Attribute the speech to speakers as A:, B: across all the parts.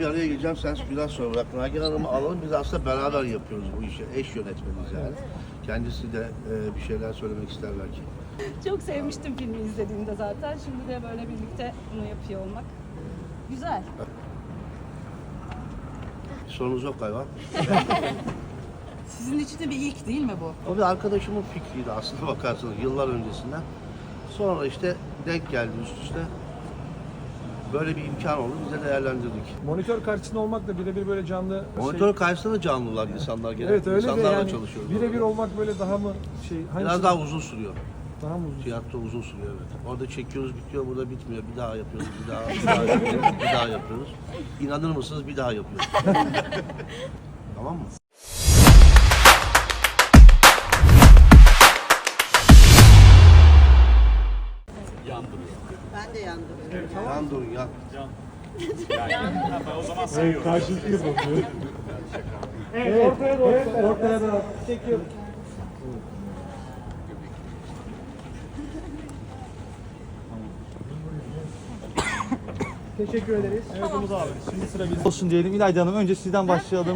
A: Bir araya geleceğim, sen biraz sonra bırak. Nagihan Hanım'ı alalım, biz aslında beraber yapıyoruz bu işi. Eş yönetmeniz yani. Kendisi de bir şeyler söylemek ister belki.
B: Çok sevmiştim filmi izlediğimde zaten. Şimdi de böyle birlikte bunu yapıyor olmak güzel.
A: Sorunuz yok galiba.
C: Sizin için de bir ilk değil mi bu?
A: O bir arkadaşımın fikriydi aslında bakarsanız yıllar öncesinden. Sonra işte denk geldi üst üste. Böyle bir imkan oldu, biz de değerlendirdik.
D: Monitör karşısında olmakla birebir böyle canlı
A: Monitör karşısında da canlılar insanlar gene.
D: Evet öyle de
A: İnsanlarla
D: yani
A: çalışıyoruz.
D: birebir olmak böyle daha mı
A: Biraz daha uzun sürüyor.
D: daha mı uzun?
A: Tiyatro uzun sürüyor evet. Orada çekiyoruz bitiyor, burada bitmiyor. Bir daha yapıyoruz, bir daha yapıyoruz, bir daha yapıyoruz. İnanır mısınız bir daha yapıyoruz. Tamam mı?
C: Ben de yandım.
A: Yan durun yan.
D: Evet, karşılıklı yapıyor. Evet, ortaya doğru. Ortaya doğru. Çekiyorum. Teşekkür ederiz. Evet Umut abi. Şimdi sıra bizde.
E: Olsun diyelim. İlayda Hanım önce sizden başlayalım.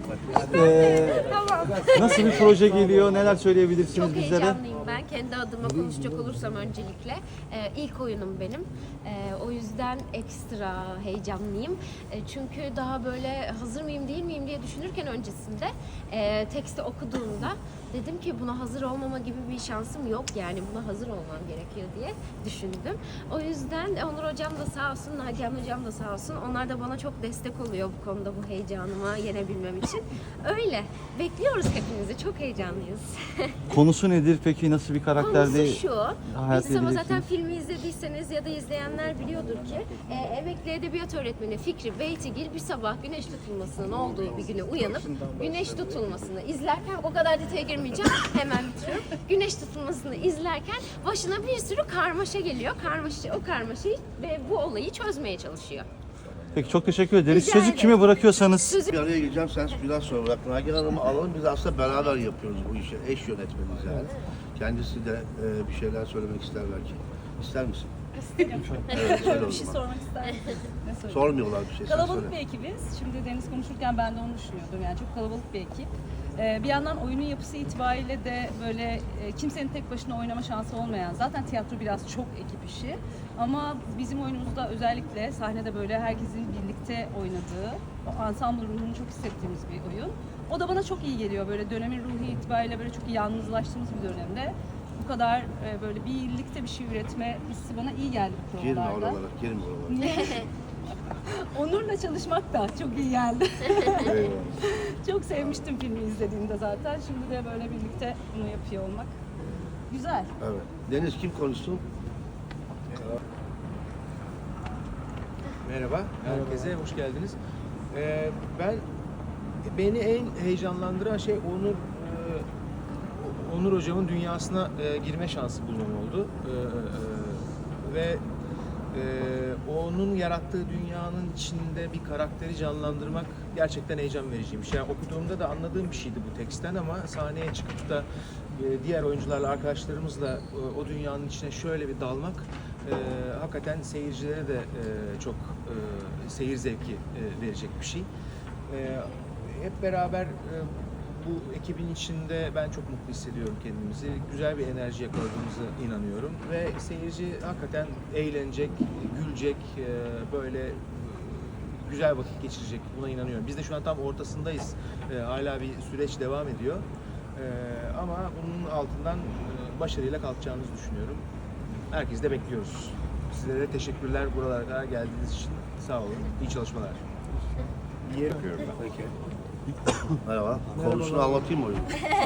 E: Nasıl bir proje geliyor? Neler söyleyebilirsiniz
F: Çok
E: bizlere?
F: heyecanlıyım ben. Kendi adıma konuşacak olursam öncelikle. İlk oyunum benim. O yüzden ekstra heyecanlıyım. Çünkü daha böyle hazır mıyım değil miyim diye düşünürken öncesinde teksti okuduğumda dedim ki buna hazır olmama gibi bir şansım yok. Yani buna hazır olmam gerekiyor diye düşündüm. O yüzden Onur Hocam da sağ olsun, Nagihan Hocam da sağ olsun. Onlar da bana çok destek oluyor bu konuda, bu heyecanıma yenebilmem için. Öyle. Bekliyoruz hepinizi. Çok heyecanlıyız.
E: Konusu nedir peki? Nasıl bir karakterde?
F: Konusu şu,
E: hayat
F: biz ama zaten
E: edeceksiniz?
F: filmi izlediyseniz ya da izleyenler biliyordur ki emekli edebiyat öğretmeni Fikri Beytigil bir sabah güneş tutulmasının olduğu bir güne uyanıp güneş tutulmasını izlerken, o kadar detaya girmeyeceğim, hemen bitiriyorum. Güneş tutulmasını izlerken başına bir sürü karmaşa geliyor. O karmaşayı ve bu olayı çözmeye çalışıyor.
E: Peki çok teşekkür ederiz.
F: Rica
E: Sözü
F: ederim.
E: kime bırakıyorsanız.
F: Sözü
A: Bir araya geleceğim, sen biraz sonra bırak. Nagihan Hanım'ı alalım, biz aslında beraber yapıyoruz bu işi. Eş yönetmeniz yani. Kendisi de bir şeyler söylemek ister belki. İster misin?
B: İsterim.
A: Evet, söyle o
B: Bir şey
A: zaman.
B: sormak ister misin? Ne söyleyeyim?
A: Sormuyorlar bir şey, sen
B: Kalabalık
A: söyle.
B: bir ekibiz. Şimdi Deniz konuşurken ben de onu düşünüyordum. Yani çok kalabalık bir ekip. Bir yandan oyunun yapısı itibariyle de böyle kimsenin tek başına oynama şansı olmayan, zaten tiyatro biraz çok ekip işi. Ama bizim oyunumuzda özellikle sahnede böyle herkesin birlikte oynadığı, o ensemble ruhunu çok hissettiğimiz bir oyun. O da bana çok iyi geliyor. Böyle dönemin ruhu itibariyle böyle çok yalnızlaştığımız bir dönemde bu kadar böyle birlikte bir şey üretme hissi bana iyi geldi bu
A: Girme
B: provalarda.
A: oralara, girme oralara.
B: Onur'la çalışmak da çok iyi geldi.
A: Eyvallah.
B: Çok sevmiştim filmi izlediğimde zaten. Şimdi de böyle birlikte bunu yapıyor olmak güzel.
A: Evet. Deniz kim konuşsun?
G: Merhaba, herkese hoş geldiniz. Beni en heyecanlandıran şey Onur Hocam'ın dünyasına girme şansı bulmam oldu. Ve onun yarattığı dünyanın içinde bir karakteri canlandırmak gerçekten heyecan vericiymiş. Yani okuduğumda da anladığım bir şeydi bu teksten ama sahneye çıkıp da diğer oyuncularla, arkadaşlarımızla o dünyanın içine şöyle bir dalmak hakikaten seyircilere de çok seyir zevki verecek bir şey. Hep beraber bu ekibin içinde ben çok mutlu hissediyorum kendimizi. Güzel bir enerji yakaladığımıza inanıyorum ve seyirci hakikaten eğlenecek, gülecek, böyle güzel vakit geçirecek. Buna inanıyorum. Biz de şu an tam ortasındayız. Hala bir süreç devam ediyor. Ama bunun altından başarıyla kalkacağımızı düşünüyorum. Herkesi de bekliyoruz. Sizlere de teşekkürler buralara kadar geldiğiniz için. Sağ olun. İyi çalışmalar.
A: İyi yapıyorum ben. Peki. Merhaba. Konusunu anlatayım mı oyunu?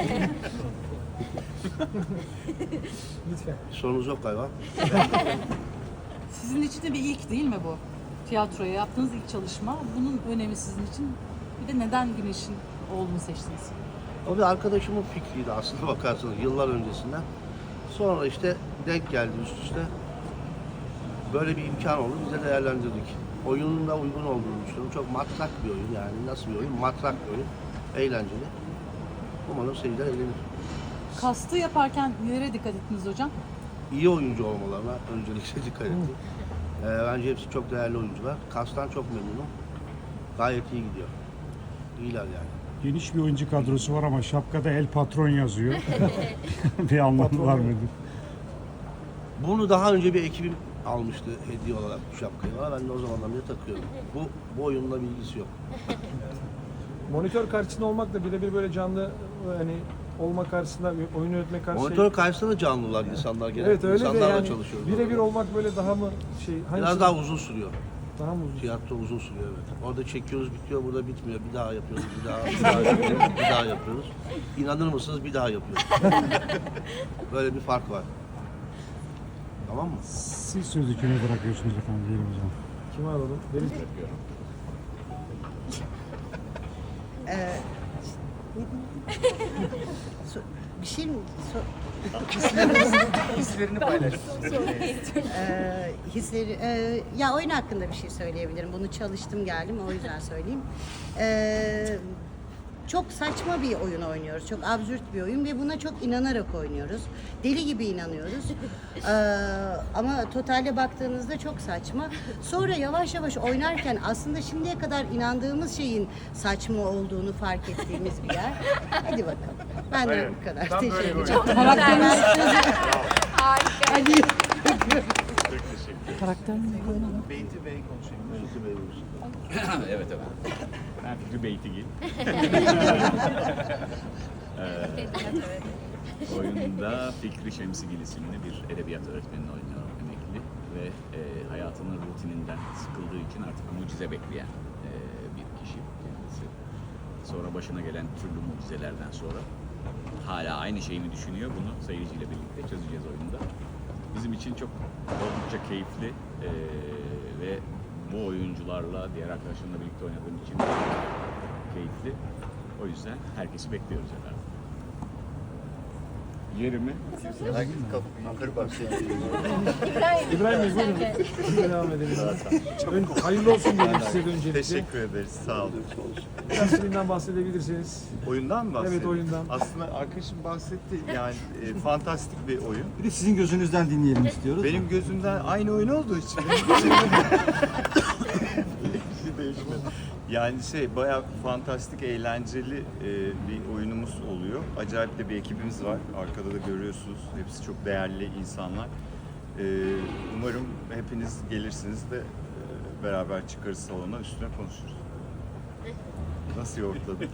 D: Lütfen.
A: Sorunuz yok galiba.
C: Sizin için de bir ilk değil mi bu? Tiyatroya yaptığınız ilk çalışma. Bunun önemi sizin için. Bir de neden Güneş'in oğlunu seçtiniz?
A: O bir arkadaşımın fikriydi aslında bakarsanız yıllar öncesinden. Sonra işte denk geldi üst üste. Böyle bir imkan oldu, biz de değerlendirdik. Oyunun da uygun olduğunu düşünüyorum. Çok matrak bir oyun yani. Nasıl bir oyun? Matrak bir oyun. Eğlenceli. Umarım seyirciler eğlenir.
C: Kastı yaparken nelere dikkat ettiniz hocam?
A: İyi oyuncu olmalarına öncelikle dikkat ettim. Bence hepsi çok değerli oyuncular. Kastan çok memnunum. Gayet iyi gidiyor. İyiler yani.
D: Geniş bir oyuncu kadrosu var ama şapkada El Patron yazıyor. Bir anlamı var mıdır?
A: Bunu daha önce bir ekibim almıştı hediye olarak bu şapkayı bana. Ben de o zamandan beri takıyorum. Bu oyunla bilgisi yok.
H: Monitör karşısında olmakla birebir böyle canlı hani olma karşısında oyun yönetme karşısında
A: Monitör karşısında da canlılar insanlar genelde.
H: evet öyle de
A: İnsanlarla
H: yani
A: çalışıyoruz.
H: birebir olmak böyle daha mı şey
A: Biraz daha uzun sürüyor.
H: daha mı uzun?
A: Tiyatro uzun sürüyor evet. Orada çekiyoruz bitiyor, burada bitmiyor. Bir daha yapıyoruz, bir daha yapıyoruz, bir daha yapıyoruz. İnanır mısınız bir daha yapıyoruz. Böyle bir fark var. Tamam mı?
D: Siz sözü kime bırakıyorsunuz efendim diyelim o zaman.
H: Kimi alalım? Benim
I: Bir şey mi?
G: Hislerini paylaş.
I: Ya oyun hakkında bir şey söyleyebilirim. Bunu çalıştım geldim o yüzden söyleyeyim. Çok saçma bir oyun oynuyoruz. Çok absürt bir oyun ve buna çok inanarak oynuyoruz. Deli gibi inanıyoruz. Ama totalde baktığınızda çok saçma. Sonra yavaş yavaş oynarken aslında şimdiye kadar inandığımız şeyin saçma olduğunu fark ettiğimiz bir yer. Hadi bakalım. Ben de bu kadar. Teşekkür ederim.
C: Karakter mi?
G: Beyti Bey konuşayım.
A: Beyti Bey buyursun.
J: Evet. Ben Fikri Beytigil. Oyunda Fikri Şemsigil isimli bir edebiyat öğretmenini oynuyorum, emekli ve hayatının rutininden sıkıldığı için artık mucize bekleyen bir kişi kendisi. Sonra başına gelen türlü mucizelerden sonra hala aynı şeyi mi düşünüyor, bunu seyirciyle birlikte çözeceğiz oyunda. Bizim için çok oldukça keyifli ve bu oyuncularla, diğer arkadaşlarımla birlikte oynadığım için keyifli. O yüzden herkesi bekliyoruz efendim. Yerimi
G: Yukarı bak.
H: İbrahim Bey buyurun. Siz devam edelim. Hayırlı olsun diyelim size de öncelikle.
K: Teşekkür ederiz. Sağ olun.
H: Biraz filmden bahsedebilirseniz.
K: Oyundan mı bahsedelim?
H: Evet, oyundan.
K: Aslında arkadaşım bahsetti. Yani fantastik bir oyun.
E: Bir de sizin gözünüzden dinleyelim istiyoruz.
K: Benim gözümden aynı oyun olduğu için hiçbir şey değişmedi. Yani bayağı fantastik, eğlenceli bir oyunumuz oluyor. Acayip de bir ekibimiz var. Arkada da görüyorsunuz. Hepsi çok değerli insanlar. Umarım hepiniz gelirsiniz de beraber çıkarız salona, üstüne konuşuruz. Nasıl yoğurtladım?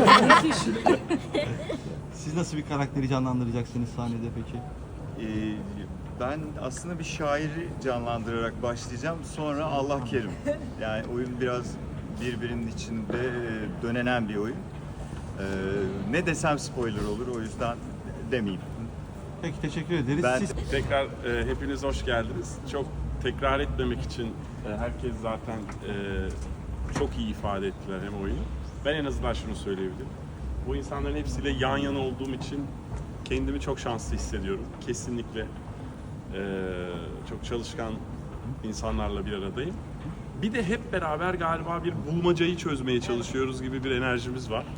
E: Siz nasıl bir karakteri canlandıracaksınız sahnede peki?
K: Ben aslında bir şairi canlandırarak başlayacağım. Sonra Allah kerim. Yani oyun biraz birbirinin içinde dönenen bir oyun. Ne desem spoiler olur, o yüzden demeyeyim.
E: Peki teşekkür ederiz.
K: Ben
E: Siz
L: Tekrar hepiniz hoş geldiniz. Çok tekrar etmemek için herkes zaten çok iyi ifade ettiler hem oyunu. Ben en azından şunu söyleyebilirim. Bu insanların hepsiyle yan yana olduğum için kendimi çok şanslı hissediyorum. Kesinlikle çok çalışkan insanlarla bir aradayım. Bir de hep beraber galiba bir bulmacayı çözmeye çalışıyoruz gibi bir enerjimiz var.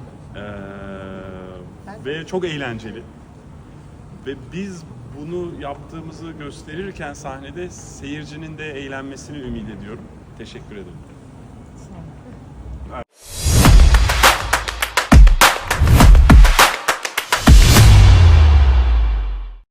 L: Ve çok eğlenceli. Ve biz bunu yaptığımızı gösterirken sahnede seyircinin de eğlenmesini ümit ediyorum. Teşekkür ederim.